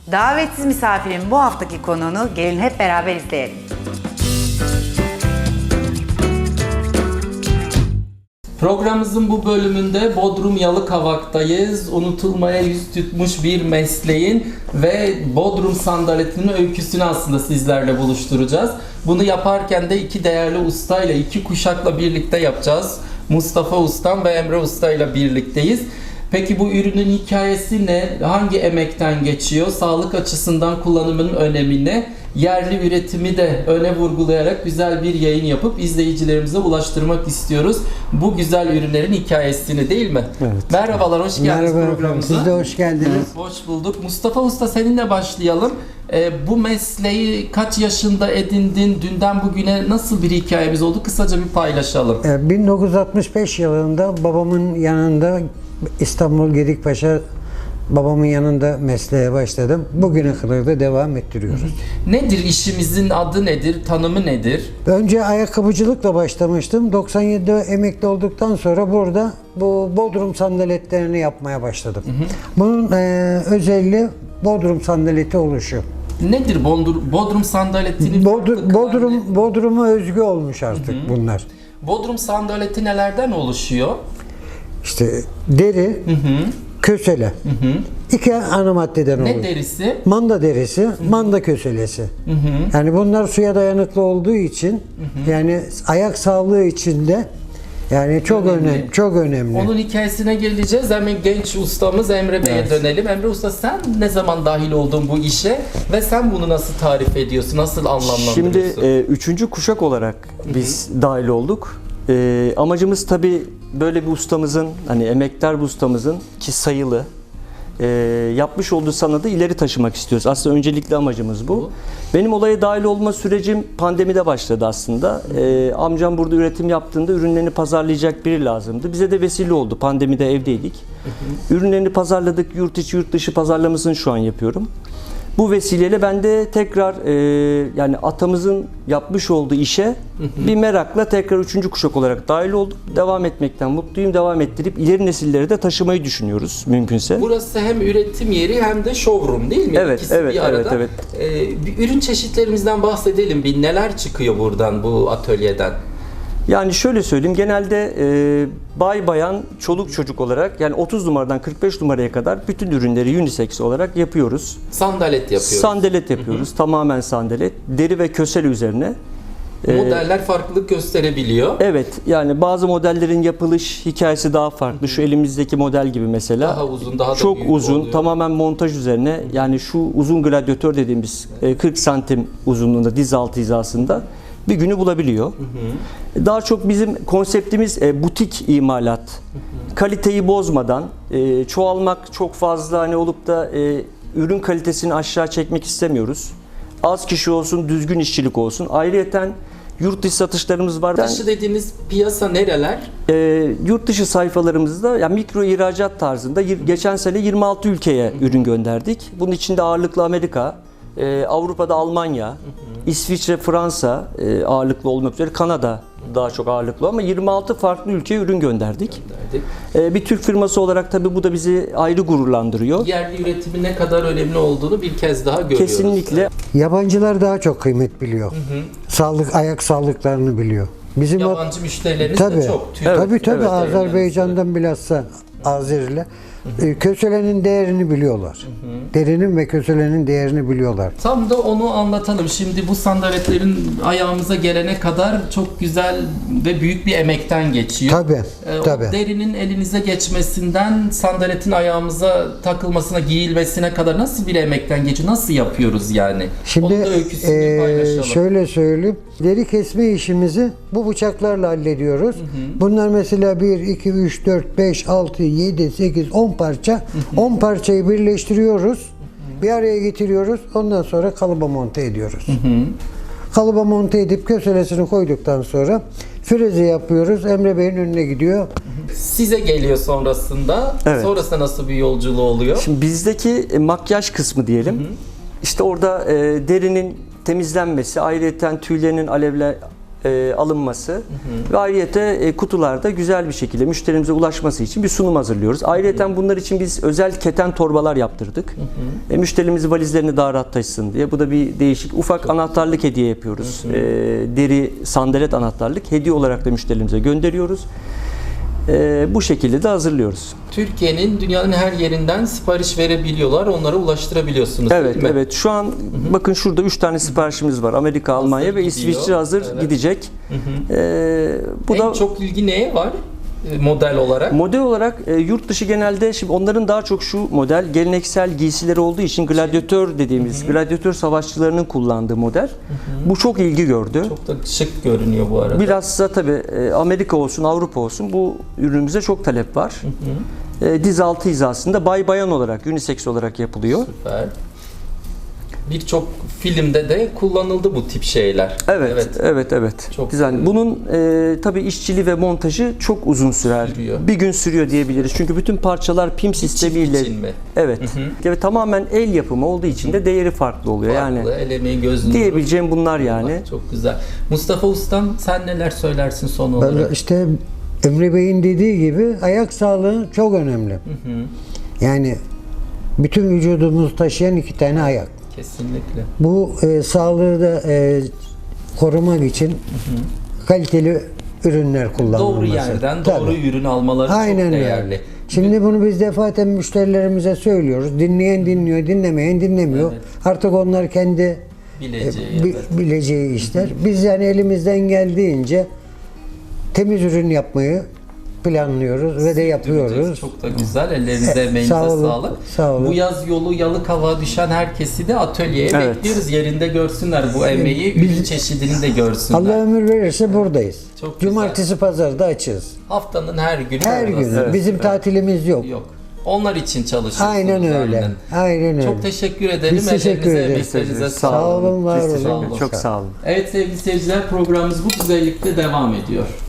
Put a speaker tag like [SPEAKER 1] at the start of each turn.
[SPEAKER 1] Davetsiz misafirin bu haftaki konuğunu gelin hep beraber izleyelim.
[SPEAKER 2] Programımızın bu bölümünde Bodrum Yalıkavak'tayız. Unutulmaya yüz tutmuş bir mesleğin ve Bodrum sandaletinin öyküsünü aslında sizlerle buluşturacağız. Bunu yaparken de iki değerli ustayla, iki kuşakla birlikte yapacağız. Mustafa Ustam ve Emre Usta ile birlikteyiz. Peki bu ürünün hikayesi ne? Hangi emekten geçiyor? Sağlık açısından kullanımının önemi ne? Yerli üretimi de öne vurgulayarak güzel bir yayın yapıp izleyicilerimize ulaştırmak istiyoruz. Bu güzel ürünlerin hikayesini, değil mi?
[SPEAKER 3] Evet.
[SPEAKER 2] Merhabalar, hoş geldiniz
[SPEAKER 3] Merhaba
[SPEAKER 2] programımıza.
[SPEAKER 3] efendim, siz de hoş geldiniz.
[SPEAKER 2] Hoş bulduk. Mustafa Usta, seninle başlayalım. Bu mesleği kaç yaşında edindin? Dünden bugüne nasıl bir hikayemiz oldu? Kısaca bir paylaşalım.
[SPEAKER 3] 1965 yılında babamın yanında İstanbul Gedikpaşa babamın yanında mesleğe başladım. Bugüne kadar da devam ettiriyoruz.
[SPEAKER 2] Nedir işimizin adı, nedir? Tanımı nedir?
[SPEAKER 3] Önce ayakkabıcılıkla başlamıştım. 97'de emekli olduktan sonra burada bu Bodrum sandaletlerini yapmaya başladım. Bunun özelliği Bodrum sandaleti oluşu.
[SPEAKER 2] Nedir Bodrum sandaletinin
[SPEAKER 3] Bodrum'a özgü olmuş artık bunlar.
[SPEAKER 2] Bodrum sandaleti nelerden oluşuyor?
[SPEAKER 3] İşte deri, kösele. İki ana maddeden olur.
[SPEAKER 2] Ne derisi?
[SPEAKER 3] Manda derisi, manda köselesi. Yani bunlar suya dayanıklı olduğu için, yani ayak sağlığı için de yani çok önemli. Çok önemli.
[SPEAKER 2] Onun hikayesine geleceğiz. Hemen genç ustamız Emre Bey'e dönelim. Emre Usta, sen ne zaman dahil oldun bu işe ve sen bunu nasıl tarif ediyorsun? Nasıl anlamlandırıyorsun?
[SPEAKER 4] Şimdi üçüncü kuşak olarak biz dahil olduk. Amacımız tabii böyle bir ustamızın, hani emektar bir ustamızın ki sayılı yapmış olduğu sanatı ileri taşımak istiyoruz. Aslında öncelikli amacımız bu. Benim olaya dahil olma sürecim pandemide başladı aslında. Amcam burada üretim yaptığında ürünlerini pazarlayacak biri lazımdı. Bize de vesile oldu. Pandemide evdeydik. Ürünlerini pazarladık. Yurt içi yurt dışı pazarlamasını şu an yapıyorum. Bu vesileyle ben de tekrar yani atamızın yapmış olduğu işe bir merakla tekrar üçüncü kuşak olarak dahil olduk. Devam etmekten mutluyum. Devam ettirip ileri nesillere de taşımayı düşünüyoruz mümkünse.
[SPEAKER 2] Burası hem üretim yeri hem de showroom, değil mi?
[SPEAKER 4] Evet,
[SPEAKER 2] İkisi
[SPEAKER 4] evet,
[SPEAKER 2] bir arada.
[SPEAKER 4] evet,
[SPEAKER 2] Bir ürün çeşitlerimizden bahsedelim. Bir neler çıkıyor buradan, bu atölyeden?
[SPEAKER 4] Yani şöyle söyleyeyim, genelde bay bayan, çoluk çocuk olarak yani 30 numaradan 45 numaraya kadar bütün ürünleri unisex olarak yapıyoruz.
[SPEAKER 2] Sandalet yapıyoruz.
[SPEAKER 4] Sandalet yapıyoruz. Tamamen sandalet. Deri ve kösel üzerine.
[SPEAKER 2] Modeller farklılık gösterebiliyor.
[SPEAKER 4] Evet, yani bazı modellerin yapılış hikayesi daha farklı. Şu elimizdeki model gibi mesela.
[SPEAKER 2] Daha uzun, daha da
[SPEAKER 4] çok
[SPEAKER 2] büyük
[SPEAKER 4] uzun,
[SPEAKER 2] oluyor.
[SPEAKER 4] tamamen montaj üzerine. Yani şu uzun gladyatör dediğimiz 40 santim uzunluğunda, diz altı hizasında bir günü bulabiliyor. Daha çok bizim konseptimiz butik imalat. Kaliteyi bozmadan, çoğalmak çok fazla hani olup da ürün kalitesini aşağı çekmek istemiyoruz. Az kişi olsun, düzgün işçilik olsun. Ayrıyeten yurt dışı satışlarımız var.
[SPEAKER 2] Yurt dışı dediğiniz piyasa nereler?
[SPEAKER 4] Yurt dışı sayfalarımızda yani mikro ihracat tarzında geçen sene 26 ülkeye ürün gönderdik. Bunun içinde ağırlıklı Amerika, Avrupa'da Almanya, İsviçre, Fransa ağırlıklı olmak üzere, Kanada daha çok ağırlıklı ama 26 farklı ülkeye ürün gönderdik. Bir Türk firması olarak tabii bu da bizi ayrı gururlandırıyor.
[SPEAKER 2] Yerli üretimin ne kadar önemli olduğunu bir kez daha görüyoruz.
[SPEAKER 4] Kesinlikle.
[SPEAKER 3] Yabancılar daha çok kıymet biliyor. Ayak sağlıklarını biliyor. Bizim
[SPEAKER 2] Yabancı müşterileriniz
[SPEAKER 3] tabii,
[SPEAKER 2] de çok.
[SPEAKER 3] Tabii
[SPEAKER 4] evet,
[SPEAKER 3] Azerbaycan'dan bilhassa Azeriler köselenin değerini biliyorlar. Derinin ve köselenin değerini biliyorlar.
[SPEAKER 2] Tam da onu anlatalım. Şimdi bu sandaletlerin ayağımıza gelene kadar çok güzel ve büyük bir emekten geçiyor.
[SPEAKER 3] Tabii.
[SPEAKER 2] O derinin elinize geçmesinden sandaletin ayağımıza takılmasına, giyilmesine kadar nasıl bir emekten geçiyor? Nasıl yapıyoruz yani?
[SPEAKER 3] Şimdi
[SPEAKER 2] Onun da öyküsünü bir paylaşalım.
[SPEAKER 3] şöyle söyleyeyim. Deri kesme işimizi bu bıçaklarla hallediyoruz. Bunlar mesela 1, 2, 3, 4, 5, 6, 7, 8, 10 parça. 10 parçayı birleştiriyoruz. Bir araya getiriyoruz. Ondan sonra kalıba monte ediyoruz. Kalıba monte edip köselesini koyduktan sonra freze yapıyoruz. Emre Bey'in önüne gidiyor.
[SPEAKER 2] Size geliyor sonrasında.
[SPEAKER 4] Evet.
[SPEAKER 2] Sonrasında nasıl bir yolculuğu oluyor?
[SPEAKER 4] Şimdi bizdeki makyaj kısmı diyelim. İşte orada derinin temizlenmesi, ayrıca tüylerinin alınması ve ayrıyete kutularda güzel bir şekilde müşterimize ulaşması için bir sunum hazırlıyoruz. Ayrıyeten bunlar için biz özel keten torbalar yaptırdık. Müşterimiz valizlerini daha rahat taşısın diye. Bu da bir değişik. Ufak anahtarlık hediye yapıyoruz. Deri sandalet anahtarlık hediye olarak da müşterimize gönderiyoruz. Bu şekilde de hazırlıyoruz.
[SPEAKER 2] Türkiye'nin dünyanın her yerinden sipariş verebiliyorlar. Onlara ulaştırabiliyorsunuz
[SPEAKER 4] Evet,
[SPEAKER 2] değil mi?
[SPEAKER 4] evet. Şu an bakın şurada 3 tane siparişimiz var. Amerika, Almanya ve
[SPEAKER 2] gidiyor.
[SPEAKER 4] İsviçre hazır
[SPEAKER 2] Evet.
[SPEAKER 4] gidecek. Bu
[SPEAKER 2] En
[SPEAKER 4] da
[SPEAKER 2] çok ilgi neye var model olarak?
[SPEAKER 4] model olarak yurt dışı genelde şimdi onların daha çok şu model geleneksel giysileri olduğu için gladyatör dediğimiz gladyatör savaşçılarının kullandığı model. Bu çok ilgi gördü.
[SPEAKER 2] Çok da şık görünüyor bu arada.
[SPEAKER 4] Bilhassa tabii Amerika olsun, Avrupa olsun bu ürünümüze çok talep var. Diz altı hizasında bay bayan olarak, unisex olarak yapılıyor.
[SPEAKER 2] Süper. Birçok filmde de kullanıldı bu tip şeyler.
[SPEAKER 4] Evet.
[SPEAKER 2] Çok
[SPEAKER 4] Güzel. Bunun tabii işçiliği ve montajı çok uzun sürer.
[SPEAKER 2] Sürüyor.
[SPEAKER 4] Bir gün sürüyor diyebiliriz. Çünkü bütün parçalar pim sistemiyle.
[SPEAKER 2] için mi?
[SPEAKER 4] Evet. Ve tamamen el yapımı olduğu için de değeri farklı oluyor.
[SPEAKER 2] Farklı,
[SPEAKER 4] Yani
[SPEAKER 2] el emeği, göz nuru.
[SPEAKER 4] diyebileceğim bunlar yani.
[SPEAKER 2] Çok güzel. Mustafa Ustam sen neler söylersin son olarak?
[SPEAKER 3] Ben işte Emre Bey'in dediği gibi ayak sağlığı çok önemli. Yani bütün vücudumuzu taşıyan 2 tane ayak.
[SPEAKER 2] Kesinlikle.
[SPEAKER 3] Bu sağlığı da korumak için kaliteli ürünler kullanılması.
[SPEAKER 2] Doğru yerden
[SPEAKER 3] Tabii.
[SPEAKER 2] doğru ürün almaları
[SPEAKER 3] Aynen
[SPEAKER 2] çok
[SPEAKER 3] öyle.
[SPEAKER 2] değerli.
[SPEAKER 3] Şimdi bunu biz defaten müşterilerimize söylüyoruz. Dinleyen dinliyor, dinlemeyen dinlemiyor.
[SPEAKER 2] Evet.
[SPEAKER 3] Artık onlar kendi
[SPEAKER 2] Bileceği. evet.
[SPEAKER 3] bileceği işler. Biz yani elimizden geldiğince temiz ürün yapmayı planlıyoruz ve de yapıyoruz.
[SPEAKER 2] Çok da güzel. Ellerinize, emeğinize
[SPEAKER 3] Sağ olun,
[SPEAKER 2] sağlık.
[SPEAKER 3] sağ olun.
[SPEAKER 2] Bu yaz yolu Yalıkavak'a düşen herkesi de atölyeye
[SPEAKER 4] Evet.
[SPEAKER 2] bekliyoruz. Yerinde görsünler bu emeği, ürün çeşidini de görsünler.
[SPEAKER 3] Allah ömür verirse buradayız.
[SPEAKER 2] Çok güzel.
[SPEAKER 3] Cumartesi, pazarda açığız.
[SPEAKER 2] Haftanın her günü.
[SPEAKER 3] Her gün.
[SPEAKER 2] oradasınız.
[SPEAKER 3] Bizim tatilimiz yok.
[SPEAKER 2] Yok. Onlar için çalışıyorsunuz.
[SPEAKER 3] Aynen öyle. Aynen öyle.
[SPEAKER 2] Çok teşekkür edelim.
[SPEAKER 3] Biz teşekkür
[SPEAKER 2] Ellerinize,
[SPEAKER 3] ederiz.
[SPEAKER 2] emeklerinize
[SPEAKER 3] Sağ olun, var
[SPEAKER 4] Biz
[SPEAKER 3] olun.
[SPEAKER 4] teşekkür
[SPEAKER 2] Sağ
[SPEAKER 4] ederiz.
[SPEAKER 2] olun.
[SPEAKER 4] Çok sağ olun.
[SPEAKER 2] Evet sevgili seyirciler, programımız bu güzellikte devam ediyor.